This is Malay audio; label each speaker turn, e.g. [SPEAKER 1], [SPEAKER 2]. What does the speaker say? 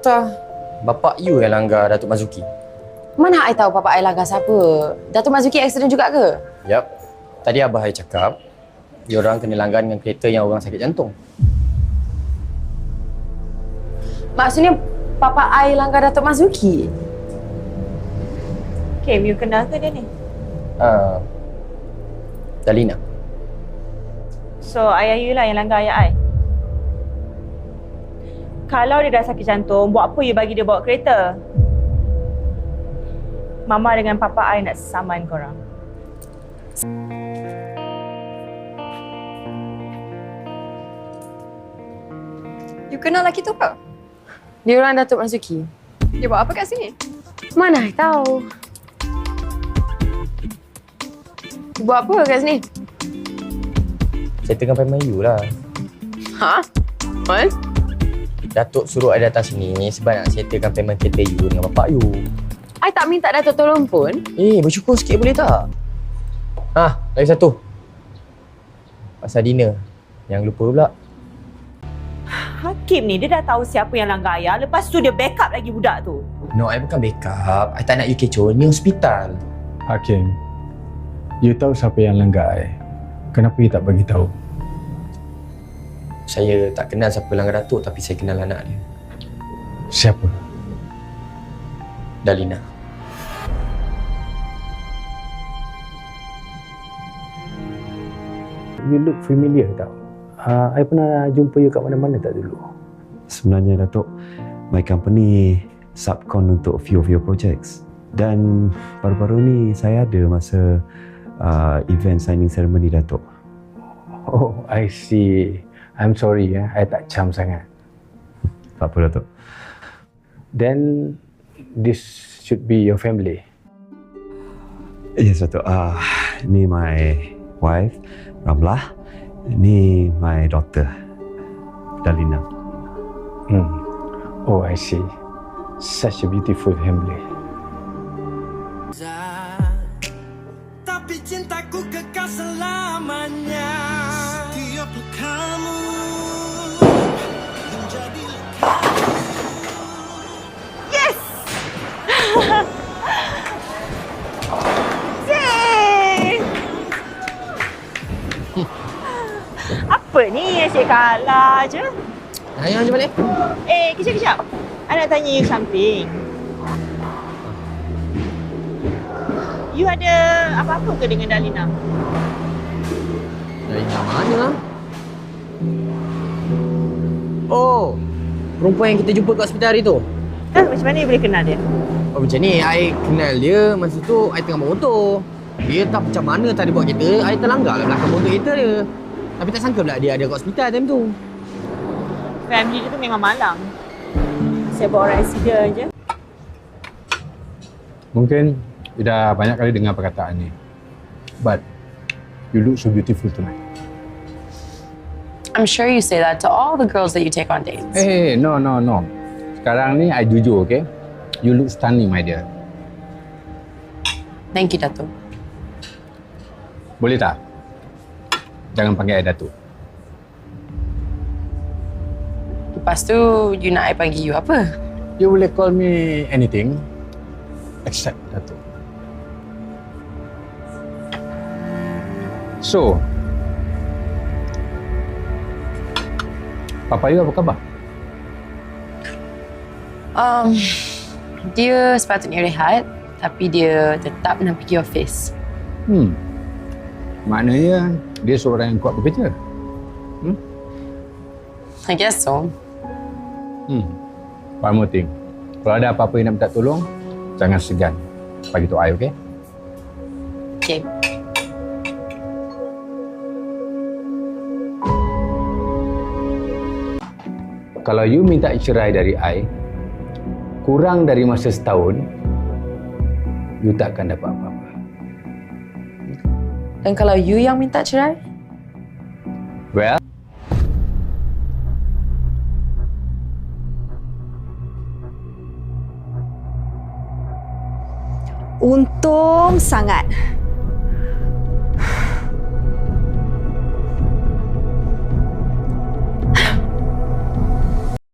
[SPEAKER 1] Patah. Bapak you yang langgar Datuk Mazuki.
[SPEAKER 2] Mana I tahu Papa I langgar siapa? Datuk Mazuki accident juga ke?
[SPEAKER 1] Yap. Tadi Abah I cakap, diorang kena langgar dengan kereta yang orang sakit jantung.
[SPEAKER 2] Maksudnya Papa I langgar Datuk Mazuki?
[SPEAKER 3] Kim, you kenal ke dia ni?
[SPEAKER 1] Dalina.
[SPEAKER 3] So, ayah you lah yang langgar ayah I. Kalau dia dah sakit jantung, buat apa you bagi dia bawa kereta? Mama dengan Papa I nak saman korang.
[SPEAKER 4] You kenal lelaki tu ke?
[SPEAKER 2] Dia orang Datuk Mazuki.
[SPEAKER 4] Dia buat apa kat sini?
[SPEAKER 2] Mana I tahu? Dia buat apa kat sini?
[SPEAKER 1] Settlekan payment you lah.
[SPEAKER 2] Ha? What?
[SPEAKER 1] Datuk suruh I datang sini sebab nak settlekan payment kereta you dengan bapak you.
[SPEAKER 2] I tak minta Datuk tolong pun.
[SPEAKER 1] Bersyukur sikit boleh tak? Lagi satu. Pasal dinner. Yang lupa pula.
[SPEAKER 3] Hakim ni, dia dah tahu siapa yang langgar ayah. Lepas tu dia backup lagi budak tu.
[SPEAKER 1] No, I bukan backup. I tak nak you kecoh. Ni hospital.
[SPEAKER 5] Hakim, you tahu siapa yang langgar I. Kenapa you tak bagi tahu?
[SPEAKER 1] Saya tak kenal siapa langgar Datuk tapi saya kenal anak dia.
[SPEAKER 5] Siapa?
[SPEAKER 1] Dalina.
[SPEAKER 5] You look familiar tau. I pernah jumpa you kat mana-mana tak dulu?
[SPEAKER 6] Sebenarnya Datuk, my company subcon untuk few of your projects. Dan baru-baru ni saya ada masa event signing ceremony Datuk.
[SPEAKER 5] Oh, I see. I'm sorry I tak cam sangat.
[SPEAKER 6] Tak apa Datuk.
[SPEAKER 5] Then this should be your family.
[SPEAKER 6] Yes Datuk. Ni my wife, Ramlah. Ni my daughter, Dalina.
[SPEAKER 5] Oh, I see. Such a beautiful family.
[SPEAKER 7] Tapi cintaku kekal selamanya. Setiap kamu menjadi
[SPEAKER 3] Yes! Zee! Apa ni? Asyik kalah je.
[SPEAKER 1] Ayah macam mana?
[SPEAKER 3] Kejap-kejap. I nak tanya you something. You ada apa-apa ke dengan Dalina?
[SPEAKER 1] Dalina mana? Oh, perempuan yang kita jumpa kat hospital hari tu.
[SPEAKER 3] Macam mana you boleh kenal dia?
[SPEAKER 1] Oh macam ni, I kenal dia masa tu I tengah bawa motor. Dia tak macam mana tadi bawa kereta, I terlanggar lah belakang motor kereta dia. Tapi tak sangka pula dia ada kat hospital time tu.
[SPEAKER 3] Family dia tu memang malang. Saya bawa orang accident je.
[SPEAKER 5] Mungkin you dah banyak kali dengar perkataan ni. But you look so beautiful tonight.
[SPEAKER 2] I'm sure you say that to all the girls that you take on dates.
[SPEAKER 5] Hey, no. Sekarang ni I jujur, okay? You look stunning, my dear.
[SPEAKER 2] Thank you, Datuk.
[SPEAKER 5] Boleh tak? Jangan panggil I Datuk.
[SPEAKER 2] Lepas tu, you nak I panggil you apa?
[SPEAKER 5] You boleh call me anything except Datuk. So, Papa you apa khabar?
[SPEAKER 2] Dia sepatutnya rehat, tapi dia tetap nak pergi office.
[SPEAKER 5] Maknanya dia seorang yang kuat bekerja.
[SPEAKER 2] I guess so.
[SPEAKER 5] One more thing. Kalau ada apa-apa yang nak minta tolong, jangan segan. Bagi tahu I, okay?
[SPEAKER 2] Okay.
[SPEAKER 5] Kalau you minta cerai dari I, kurang dari masa setahun, you tak akan dapat apa-apa.
[SPEAKER 2] Dan kalau you yang minta cerai?
[SPEAKER 5] Well,
[SPEAKER 8] untung sangat